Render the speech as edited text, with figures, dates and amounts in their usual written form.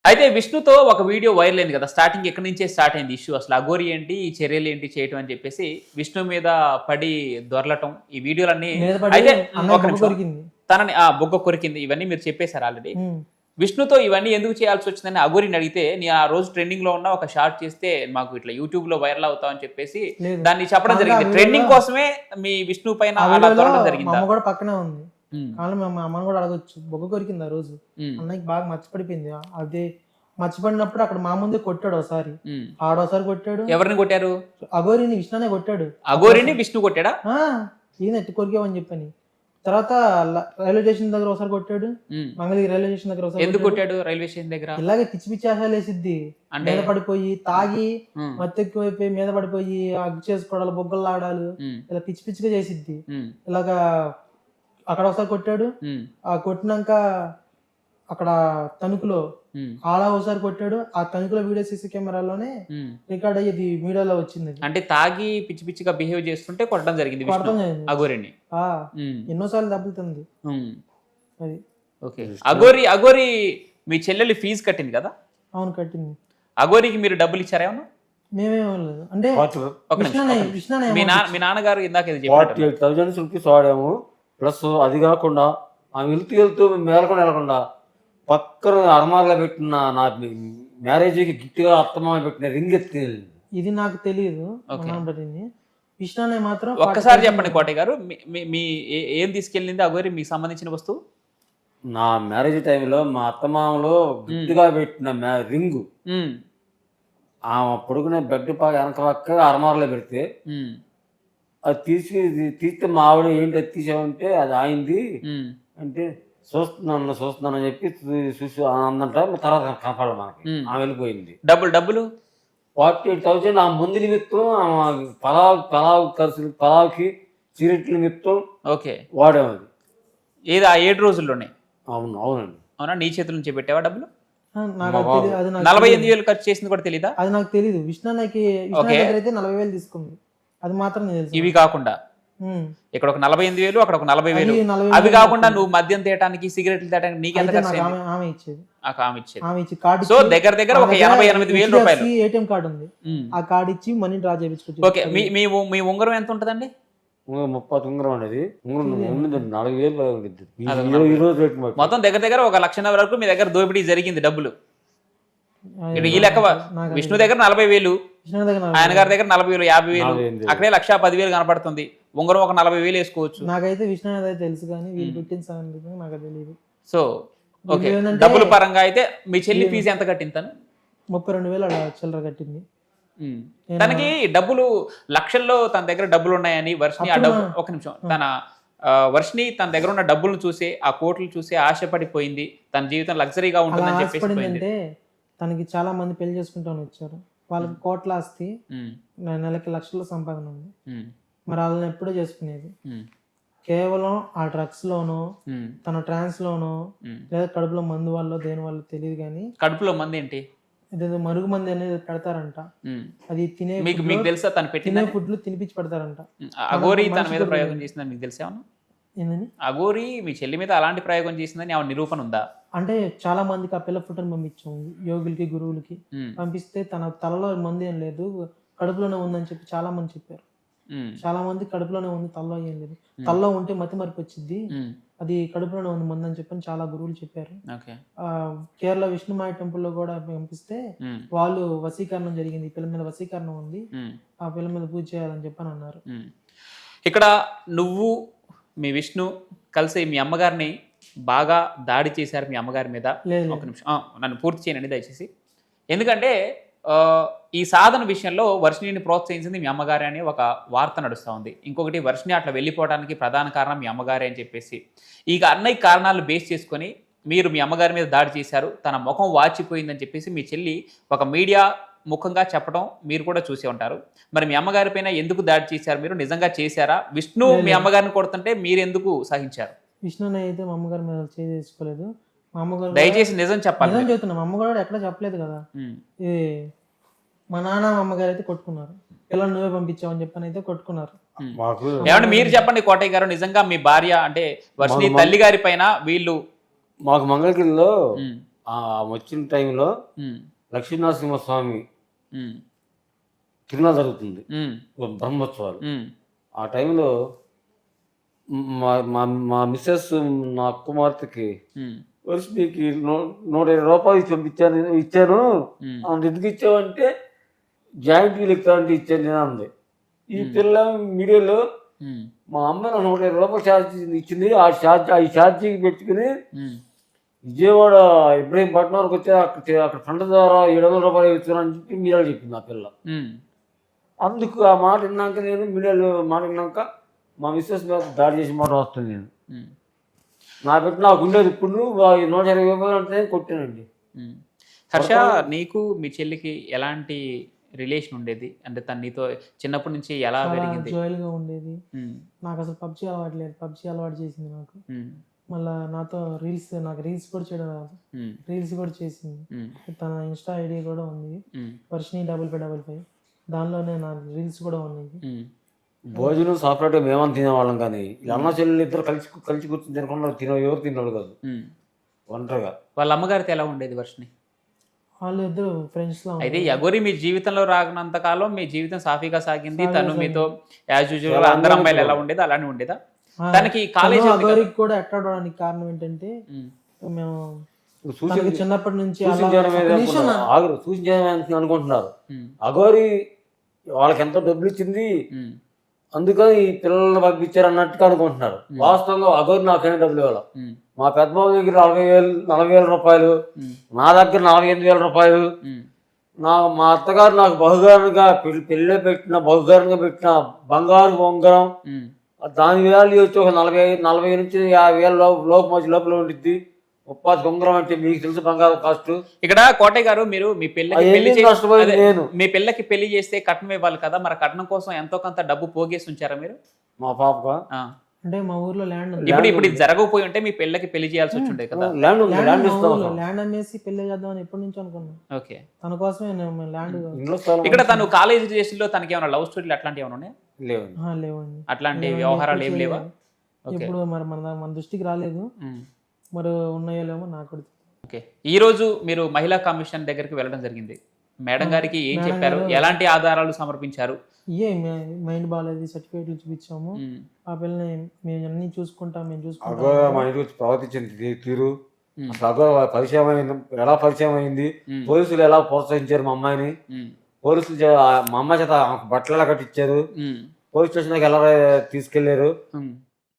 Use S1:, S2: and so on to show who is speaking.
S1: అయితే విష్ణుతో ఒక video viral అయింది కదా, స్టార్టింగ్ ఎక్కడి నుంచే స్టార్ట్ అయింది ఇష్యూ. అసలు అఘోరి ఏంటి, ఈ చర్యలు ఏంటి చేయటం అని చెప్పేసి విష్ణు మీద పడి దొరలటం, ఈ వీడియోలన్నీ.
S2: మీద పడి
S1: అయితే
S2: అన్నయ్య
S1: ఒక
S2: బొగ్గ
S1: నిమిషం,
S2: కొరికింది.
S1: తనని బొగ్గ కొరికింది, ఇవన్నీ మీరు చెప్పేశారు ఆల్రెడీ. విష్ణుతో ఇవన్నీ ఎందుకు చేయాల్సి వచ్చిందని అఘోరిని అడిగితే, నేను ఆ రోజు ట్రెండింగ్ లో ఉన్న ఒక షార్ట్ చేస్తే మాకు ఇట్లా యూట్యూబ్ లో వైరల్ అవుతాం అని చెప్పేసి
S2: లేదు.
S1: దాన్ని చెప్పడం
S2: కాదు,
S1: జరిగింది.
S2: ఆ
S1: ట్రెండింగ్
S2: వీడియోలో-
S1: కోసమే మీ విష్ణు పైన
S2: ఆ
S1: అలా
S2: వీడియోలో
S1: దొరకడం
S2: మా
S1: జరిగిందా?
S2: అమ్మ కూడా పక్కనే ఉంది.
S1: ఉమ్,
S2: కానీ మా అమ్మని కూడా అడగొచ్చు. బొగ్గ కొరికింది ఆ రోజు.
S1: ఉమ్,
S2: అన్నయ్యకి బాగా మర్చిపడిపోయింది. అదే మర్చిపడినప్పుడు అక్కడ మా ముందే కొట్టాడు ఒకసారి,
S1: ఉమ్.
S2: ఆడోసారి కొట్టాడు.
S1: ఎవరిని కొట్టారు?
S2: అఘోరిని విష్ణునే కొట్టాడు.
S1: అఘోరిని విష్ణు కొట్టాడా?
S2: ఆ, ఈయన ఎట్టి కొరికావని చెప్పని. తర్వాత రైల్వే స్టేషన్ దగ్గర ఒకసారి కొట్టాడు.
S1: ఉమ్.
S2: మంగళగిరి రైల్వే స్టేషన్ దగ్గర ఒకసారి
S1: ఎందుకు
S2: కొట్టాడు.
S1: కొట్టాడు రైల్వే స్టేషన్ దగ్గర?
S2: ఇలాగే పిచ్చి పిచ్చి ఆశలు వేసిద్ది.
S1: అంటే
S2: మీద పడిపోయి తాగి
S1: ఉమ్,
S2: మత్తెక్కువైపోయి మీద పడిపోయి అగ్గు చేసుకోవడాలు, బొగ్గలు లాడాలు,
S1: ఉమ్,
S2: ఇలా పిచ్చి పిచ్చిగా చేసిద్ది.
S1: ఉమ్,
S2: ఇలాగా అక్కడ ఒకసారి కొట్టాడు.
S1: ఉమ్,
S2: ఆ కొట్టినాక అక్కడ తణుకులో
S1: ఉమ్,
S2: ఆలా ఒకసారి కొట్టాడు. ఆ తణుకులో వీడియో సీసీ కెమెరాలోనే
S1: ఉమ్.
S2: రికార్డ్ అయ్యేది, మీడియాలో వచ్చింది. అది
S1: అంటే తాగి పిచ్చి పిచ్చిగా బిహేవ్ చేస్తుంటే కొట్టడం జరిగింది విష్ణు
S2: కొడతాం జరిగింది.
S1: అఘోరిని.
S2: ఆ,
S1: ఉమ్,
S2: ఎన్నోసార్లు దెబ్బలుతుంది
S1: ఉమ్.
S2: అది.
S1: ఓకే. అఘోరి మీ చెల్లెలు ఫీజు కట్టింది కదా,
S2: అవును, కట్టింది.
S1: అఘోరికి మీరు డబ్బులు ఇచ్చారా ఏమన్నా?
S2: మేమేం లేదు అంటే
S1: ఒక నిమిషం, ఒక నిమిషం.
S2: విష్ణునే
S1: మీ నాన్నగారు ఇందాక ఇది చెప్పారు.
S3: 48,000 రూపీస్ వాడాము. ప్లస్ అది కాకుండా ఆమె వెళ్తూ మేలకుండా పక్కన అర్మార్లో పెట్టిన నా మ్యారేజ్కి గిఫ్ట్గా అత్తమామ పెట్టిన రింగ్ ఎత్తి.
S2: ఇది నాకు తెలియదు.
S1: ఓకే.
S2: విష్ణునే మాత్రం
S1: ఒక్కసారి చెప్పండి కోటయ్య గారు, మీ ఏం తీసుకెళ్ళింది అఘోరి మీకు సంబంధించిన వస్తువు?
S3: నా మ్యారేజ్ టైంలో మా అత్తమామలో గిఫ్ట్గా పెట్టిన రింగు
S1: ఉమ్,
S3: ఆమె పొడుగునే బెడ్ వెనక పక్క అర్మార్లో పెడితే
S1: ఉమ్,
S3: అది తీస్తే మా ఆవిడ ఏంటి అది తీసామంటే అది ఆయింది
S1: ఉమ్.
S3: అంటే చూస్తున్నానని చెప్పి చూసి అందంట. తర్వాత కనపడాలి మనకి. ఆమె వెళ్ళిపోయింది.
S1: డబ్బులు
S3: 48,000 ఆ ముందు నిమిత్తం పలావ్కి సిగరెట్ల నిమిత్తం
S1: ఓకే
S3: వాడాము. అది
S1: ఏది ఆ 7 రోజుల్లోనే?
S3: అవునండి.
S1: అవునా, నీ చేతుల నుంచి పెట్టావా డబ్బులు?
S2: నాకు అది తెలియదు. అది నాకు
S1: 48,000 ఖర్చు చేసింది కూడా తెలీదా?
S2: అది నాకు తెలియదు. విష్ణుకి
S1: ఓకే.
S2: దగ్గర అయితే 40,000 తీసుకుంది. అది మాత్రం నేను తెలుసు.
S1: ఇవి కాకుండా ఇక్కడ ఒక 48,000, అక్కడ ఒక 40,000.
S2: అది 40,000
S1: అవి కాకుండా నువ్వు మద్యం తేయడానికి, సిగరెట్లు తేయడానికి నీకెంత
S2: అయితే
S1: ఖర్చు
S2: నాకు
S1: అయింది?
S2: ఆమె ఇచ్చేది.
S1: ఆమె ఇచ్చేది.
S2: ఆమె ఇచ్చి కార్డు
S1: సో దగ్గర ఒక 88,000 రూపాయలు.
S2: ఏటీఎం కార్డు ఉంది.
S1: ఉమ్.
S2: ఆ కార్డు ఇచ్చి మనీ డ్రా చేయించుకోవచ్చు.
S1: ఓకే. మీ ఉంగరం ఎంత ఉంటదండి?
S3: 30 ఉంగరం అనేది ఉండింది. 4,000 ఉండిద్ది.
S1: అదొక
S3: ఈ రోజు రేటు మరి.
S1: మొత్తం దగ్గర ఒక 1,00,000 వరకు మీ దగ్గర దోపిడీ జరిగింది డబ్బులు. ఇక్కడ ఈ లెక్క విష్ణు దగ్గర 40,000,
S2: విష్ణు దగ్గర
S1: ఆయన గారి దగ్గర 40,000, 50,000,
S3: 40,000.
S1: అక్కడే 1,10,000 కనపడుతుంది. ఉంగరం ఒక 40,000 వేసుకోవచ్చు.
S2: నాకైతే విష్ణు అయితే తెలుసు, కానీ వీళ్ళు పెట్టిన సంగతి నాకు తెలియదు.
S1: సో ఓకే,
S2: వీళ్ళు ఏంటంటే
S1: డబ్బుల పరంగా అయితే మీ చెల్లి ఫీజు ఎంత కట్టింది తను?
S2: 32,000 అలా చిల్లర కట్టింది.
S1: ఉమ్. తనకి డబ్బులు లక్షల్లో తన దగ్గర డబ్బులు ఉన్నాయని వర్షిని ఆ డబ్బు ఒక నిమిషం వర్షిని తన దగ్గర ఉన్న డబ్బులను చూసి, ఆ కోట్లు చూసి ఆశపడిపోయింది. తన జీవితం లగ్జరీగా
S2: అలా
S1: ఉంటుందని చెప్పేసి పోయింది.
S2: ఆశపడిందంటే తనకి చాలా మంది పెళ్లి చేసుకుంటాను వచ్చారు. వాళ్ళకి కోట్ల ఆస్తి,
S1: ఉమ్,
S2: నెలకి లక్షల సంపాదన ఉంది.
S1: ఉమ్,
S2: మరి వాళ్ళని ఎప్పుడూ చేసుకునేది
S1: ఉమ్,
S2: కేవలం ఆ డ్రగ్స్ లోనో,
S1: ఉమ్,
S2: తన ట్రాన్స్ లోనో,
S1: ఉమ్.
S2: లేదా కడుపులో మందు వల్ల దేని వల్ల తెలియదు, కానీ
S1: కడుపులో మంది ఏంటి?
S2: ఇదేదో మరుగు మంది అనేది పెడతారంట.
S1: ఉమ్.
S2: అది తినే
S1: మీకు తెలుసా తను పెట్టింది?
S2: ఫుడ్లు తినిపించి పెడతారంట.
S1: అఘోరి తన మీద ప్రయోగం చేసిందని మీకు తెలిసేమన్నా?
S2: ఏందని
S1: అఘోరి మీ చెల్లి మీద అలాంటి ప్రయోగం చేసిందని ఆమె నిరూపణ ఉందా?
S2: అంటే చాలా మందికి ఆ పిల్ల ఫుడ్ని పంపించాం, యోగులకి, గురువులకి
S1: ఉమ్,
S2: పంపిస్తే తన తలలో మంది ఏం లేదు, కడుపులోనే ఉందని చెప్పి చాలా మంది చెప్పారు.
S1: ఉమ్,
S2: చాలా మంది కడుపులోనే ఉంది, తలలో ఏం లేదు. తలలో ఉంటే మతి మరపు వచ్చింది,
S1: ఉమ్.
S2: అది కడుపులోనే ఉంది మంది అని చెప్పని చాలా గురువులు చెప్పారు.
S1: ఓకే.
S2: కేరళ విష్ణుమాయ టెంపుల్ లో కూడా పంపిస్తే
S1: ఉమ్,
S2: వాళ్ళు వశీకరణం జరిగింది, ఈ పిల్ల మీద వశీకరణం ఉంది,
S1: ఉమ్,
S2: ఆ పిల్ల మీద పూజ చేయాలని చెప్పని అన్నారు.
S1: ఉమ్. ఇక్కడ నువ్వు మీ విష్ణు కలిసి మీ అమ్మగారిని బాగా దాడి చేశారు మీ అమ్మగారి మీద.
S2: లేదు
S1: ఒక నిమిషం నన్ను పూర్తి చేయనండి దయచేసి. ఎందుకంటే ఈ సాధన విషయంలో వర్షిణిని ప్రోత్సహించింది మీ అమ్మగారే అని ఒక వార్త నడుస్తూ ఉంది. ఇంకొకటి వర్షిణి అట్లా వెళ్ళిపోవడానికి ప్రధాన కారణం మీ అమ్మగారే అని చెప్పేసి, ఈ అన్నయ్య కారణాలు బేస్ చేసుకొని మీరు మీ అమ్మగారి మీద దాడి చేశారు, తన ముఖం వాచిపోయిందని చెప్పేసి మీ చెల్లి ఒక మీడియా ముఖంగా చెప్పడం మీరు కూడా చూసి ఉంటారు. మరి మీ అమ్మగారి పైన ఎందుకు దాడి చేశారు? మీరు నిజంగా చేశారా? విష్ణు మీ అమ్మగారిని కొడుతుంటే మీరు ఎందుకు సహించారు?
S2: విష్ణుని అయితే మా అమ్మగారి మీద చేసుకోలేదు. మా అమ్మగారు
S1: దయచేసి నిజం చెప్పాలి.
S2: నిజం చెప్తున్నా, మా అమ్మగారు ఎక్కడ చెప్పలేదు కదా. ఇది మా నాన్న మా అమ్మగారు అయితే కొట్టుకున్నారు. పిల్లలు నువ్వే పంపించావు అని చెప్పని అయితే కొట్టుకున్నారు.
S3: మాకు
S1: ఏమంటే మీరు చెప్పండి కోటయ్య గారు, నిజంగా మీ భార్య అంటే వర్షిణి తల్లి గారి పైన వీళ్ళు
S3: మాకు మంగళగిరిలో వచ్చిన టైంలో
S1: ఉమ్,
S3: లక్ష్మీనరసింహస్వామి
S1: ఉమ్,
S3: తిరునాళ్ళ జరుగుతుంది,
S1: ఉమ్,
S3: బ్రహ్మోత్సవాలు.
S1: ఉమ్,
S3: ఆ టైంలో మా మా మా మిస్సెస్ నా కుమార్తెకి
S1: ఉమ్,
S3: వర్షినికి 120 రూపాయలు ఇచ్చాను.
S1: ఉమ్,
S3: అంత ఎందుకు ఇచ్చావంటే జాయింట్ వీల్ ఎక్కుతానంటే ఇచ్చాను నేను అంది. ఈ పిల్ల మీడియాలో
S1: ఉమ్,
S3: మా అమ్మ నాకు 120 రూపాయలు ఛార్జ్ ఇచ్చింది, ఆ ఛార్జీకి పెట్టుకుని
S1: ఉమ్,
S3: విజయవాడ ఇబ్రహీంపట్నం వరకు వచ్చి అక్కడ ఫ్రంట్ ద్వారా 700 రూపాయలు ఇస్తున్నాను చెప్పి మీడియాలో చెప్పింది ఆ పిల్ల.
S1: ఉమ్,
S3: అందుకు ఆ మాట విన్నాక నేను మీడియాలో మాట విన్నాక మా మిస్సెస్ మీద దాడి చేసిన మాట వస్తుంది. నేను
S1: ఉమ్,
S3: నా పెట్టి నాకు ఉండేది ఇప్పుడు 120 రూపాయలు అంటే కొట్టానండి.
S1: ఉమ్. హర్ష, నీకు మీ చెల్లికి ఎలాంటి రిలేషన్ ఉండేది? అంటే తను నీతో చిన్నప్పటి నుంచి ఎలా
S2: చాలా
S1: పెరిగింది?
S2: జాయిల్గా ఉండేది.
S1: ఉమ్,
S2: నాకు అసలు పబ్జీ అలవాటు లేదు, పబ్జీ అలవాటు చేసింది నాకు.
S1: ఉమ్,
S2: మళ్ళీ నాతో నాకు రీల్స్ కూడా చేయడం రాదు,
S1: ఉమ్,
S2: రీల్స్ కూడా చేసింది.
S1: ఉమ్,
S2: తన ఇన్స్టా ఐడి కూడా ఉంది,
S1: ఉమ్,
S2: వర్షిని 5555. దానిలోనే నా రీల్స్ కూడా ఉన్నాయి.
S1: ఉమ్,
S3: భోజనం సపరేట్గా మేమని తినేవాళ్ళం, కానీ ఈ అన్న చెల్లెలు ఇద్దరు కలిసి కూర్చొని తినకుండా ఎవరు తినేవాళ్ళు కాదు,
S1: ఉమ్.
S3: ఒంటరిగా.
S1: వాళ్ళ అమ్మగారితో ఎలా ఉండేది వర్షిని?
S2: వాళ్ళు ఇద్దరు ఫ్రెండ్స్ లా
S1: అయితే యగోరి మీ జీవితంలో రాగినంత కాలం మీ జీవితం సాఫీగా సాగింది. తను మీతో యాజ్ యూజువల్ అందరు అమ్మాయిలు ఎలా ఉండేది అలానే ఉండేదా? తనకి కాలేజ్
S2: అగోరికి కూడా అట్రాడడానికి కారణం ఏంటంటే మేము తనకి చిన్నప్పటి నుంచి
S3: సూచించడం అనుకుంటున్నారు. అగోరి వాళ్ళకి ఎంతో డబ్బులు ఇచ్చింది, అందుకని ఈ పిల్లల్ని పంపించారు అన్నట్టుగా అనుకుంటున్నారు. వాస్తవంగా అగోరి నాకేం డబ్బులు ఇవ్వాలి. మా పెద్దబాబు దగ్గర 40,000 రూపాయలు, నా దగ్గర 48,000 రూపాయలు, మా అత్తగారు నాకు బహుగారంగా పెళ్ళి పెట్టిన బంగారు బొంగరం, దాని వాల్యూ వచ్చి ఒక 40 నుంచి 50,000 లోపల ఉండిద్ది. 30 బొంగరం అంటే మీకు తెలుసు బంగారం కాస్ట్.
S1: ఇక్కడ కోటయ్య గారు, మీరు మీ పిల్లకి పెళ్లి చేస్తే కట్నం ఇవ్వాలి కదా, మరి కట్నం కోసం ఎంతో కొంత డబ్బు పోగేసి ఉంచారా మీరు?
S3: మా పాప
S2: అంటే మా ఊర్లో ల్యాండ్ ఉంది.
S1: ఇప్పుడు ఇది జరగకపోయి ఉంటే మీ పిల్లకి పెళ్లి చేయాల్సి వచ్చి ఉండే కదా.
S2: ల్యాండ్ అమ్మేసి పెళ్లి చేద్దామని ఎప్పటి నుంచి అనుకున్నాం.
S1: ఓకే,
S2: తన కోసమే ల్యాండ్.
S1: ఇక్కడ తను కాలేజ్ డేస్లో తనకి ఏమైనా లవ్ స్టోరీలు అట్లాంటివి ఏమైనా ఉన్నాయా?
S2: లేవండి,
S1: అట్లాంటి వ్యవహారాలు ఏం లేవా?
S2: ఇప్పుడు మరి మన దృష్టికి రాలేదు, మరి ఉన్నాయో లేమో నాకు.
S1: ఓకే, ఈ రోజు మీరు మహిళా కమిషన్ దగ్గరికి వెళ్ళడం జరిగింది. మేడం గారికి ఏం చెప్పారు? ఎలాంటి ఆధారాలు సమర్పించారు?
S2: మైండ్ బాగాలేదు, సర్టిఫికేట్లు చూపించాము. ఆ పిల్లని మేము అన్ని చూసుకుంటాం, మేము చూసుకుంటాం.
S3: మా ఇంటికి వచ్చి ప్రవర్తించింది తీరు, అసలు ఎలా పరిచయం అయింది, పోలీసులు ఎలా ప్రోత్సహించారు మా అమ్మాయిని, పోలీసులు మా అమ్మాయి చేత బట్టలు ఎలా కట్టించారు, పోలీస్ స్టేషన్ దగ్గర ఎలా తీసుకెళ్లారు,